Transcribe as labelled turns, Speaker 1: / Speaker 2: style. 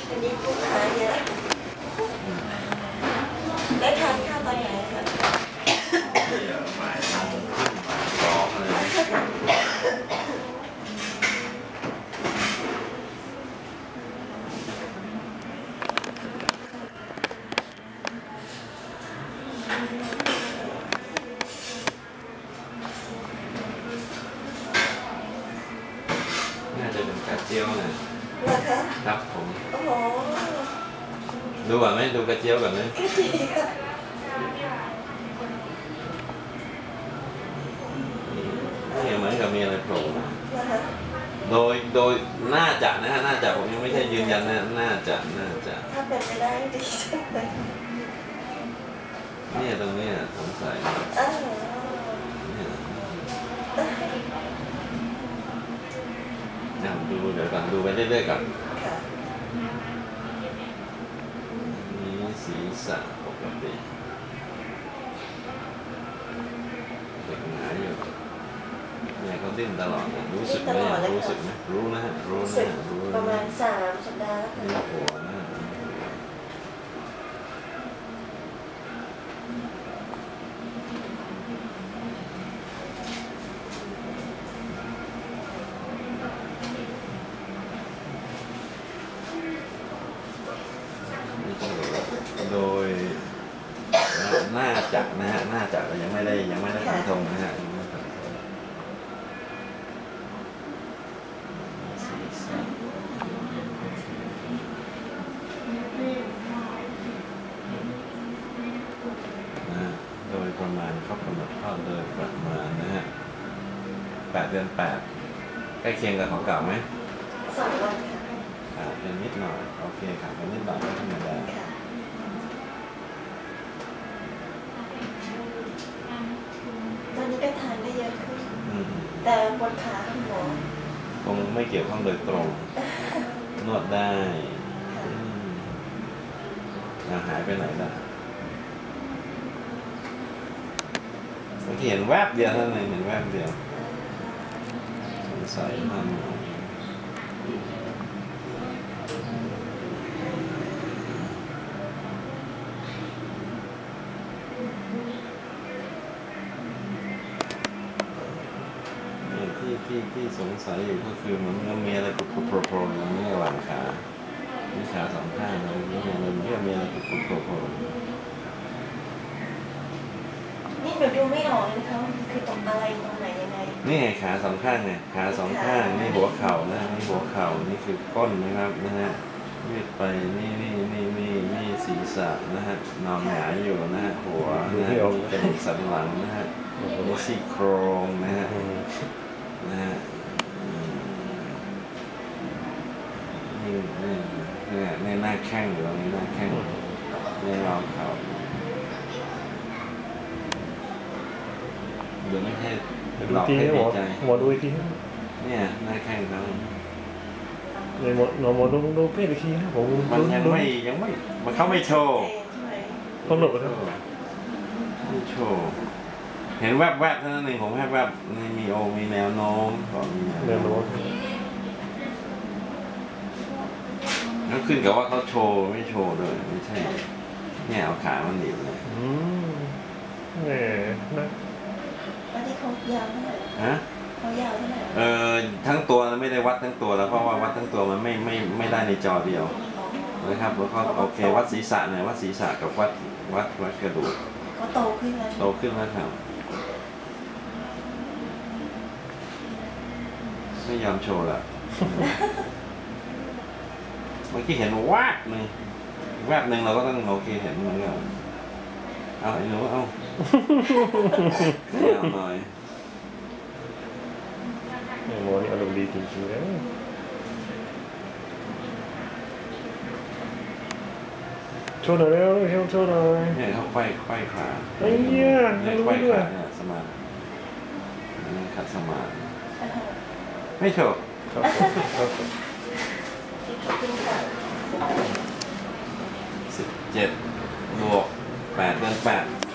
Speaker 1: อันนี้ลูกค้าเยอะได้ทานข้าวตอนไหนคะ
Speaker 2: บ่ายสองเลยน่าจะเป็นกระเจียวนะ
Speaker 1: เหรอคะ
Speaker 2: ครับผม
Speaker 1: โอ้โห
Speaker 2: ดูก่อนไหมดูกระเจียวก่อนไหม
Speaker 1: ก็ดีค่ะ
Speaker 2: นี่เหมือนกับมีอะไรโผล่มา
Speaker 1: นะคะ
Speaker 2: โดยน่าจะนะฮะน่าจะผมยังไม่ใช่ยืนยันนะน่าจะ
Speaker 1: ถ้าเป็นไปได้ดีจังเลย
Speaker 2: เนี่ยตรงนี้สงสัยดูเดี๋ยวก่อนดูไปเรื่อยๆก่อนนี่ศีรษะปกติเด็กหนาอยู่เนี่ยเขาดิ้นตลอดรู้สึกไหมรู้สึกไหมรู้นะฮะรู้นะรู้
Speaker 1: ประมาณ3 สัปดาห์
Speaker 2: แล้วหัวนะโดยน่าจะนะฮะน่าจะยังไม่ได้ฟันธงนะฮะโดยประมาณเขากำหนดข้อโดยประมาณนะฮะ8 เดือน 8ใกล้เคียงกับของเก่าไหม
Speaker 1: 2 วัน
Speaker 2: ค่ะเป็นนิดหน่อยโอเคค่ะเป็นนิดหน่อยก็ธรรมดา
Speaker 1: ตอนนี้ก็ทานได้เยอะขึ้นแต่ปวดขาคุณหมอ
Speaker 2: คงไม่เกี่ยวข้องโดยตรงนวดได้หายไปไหนล่ะบางทีเห็นแวบเดียวเท่านั้นเห็นแวบเดียวสงสัยมันที่สงสัยอยู่ก็คือเหมือนมีอะไรกรุบโผล่ๆนี่ระหว่างขามีขาสองข้างเลยนี่มันมีอะไรกรุบโผล่
Speaker 1: นี่หนูดูไม่ออกเลยค่ะคือตรงอะไรตรงไหนยังไง
Speaker 2: นี่ไงขาสองข้างเนี่ยขาสองข้างนี่หัวเข่านะนี่หัวเข่านี่คือก้นนะครับนะฮะยืดไปนี่ศีรษะนะฮะนอนหงายอยู่นะฮะหัวนะกระดูกสันหลังนะฮะซี่โครงนะฮะนี่หน้าแข้งอยู่ตรงนี้หน้าแข้งนี่รองเข่าเดี๋ยวไม่ให้หลอกให้ดีใจ
Speaker 3: หมอดูอีกที
Speaker 2: เนี่ยหน้าแข้งเขา
Speaker 3: ในหมอดูเพศอีกทีนะผม
Speaker 2: มันยังไม่มันเขาไม่โชว์
Speaker 3: ต้องหลบครับ
Speaker 2: ไม่โชว์เห็นแวบๆเท่านั้นเองผมแวบมีแนวโน้มก่อน
Speaker 3: แนวโน้ม
Speaker 2: แล้วขึ้นกับว่าเขาโชว์ไม่โชว์ด้วยไม่ใช่เนี่ยเอาขามันหนีบเลย
Speaker 3: นะ
Speaker 1: ตอนนี้เขายาวเท่าไหร่
Speaker 2: ฮะ
Speaker 1: เขายาวเท่าไหร่
Speaker 2: ทั้งตัวไม่ได้วัดทั้งตัวแล้วเพราะว่าวัดทั้งตัวมันไม่ได้ในจอเดียวนะครับแล้วก็โอเควัดศีรษะหน่อยวัดศีรษะกับวัดกระดูก
Speaker 1: ก็โตขึ้น
Speaker 2: แล้วครับไม่ยอมโชว์ละเมื่อกี้เห็นแวบหนึ่งเราก็ต้องโอเคเห็นมันก็เอาไอ้หนูเอาหน่อย
Speaker 3: หมอนี่อารมณ์ดีจริงๆเลยโชว์หน่อยแล้วโชว์หน่อย
Speaker 2: เนี่ยเขาไขว้ขา
Speaker 3: ไอ้เนี่ย
Speaker 2: ไขว้ขาเนี่ยสมาธินี่ขัดสมาธิไม่โชว์17 บวก 8 เดือน 8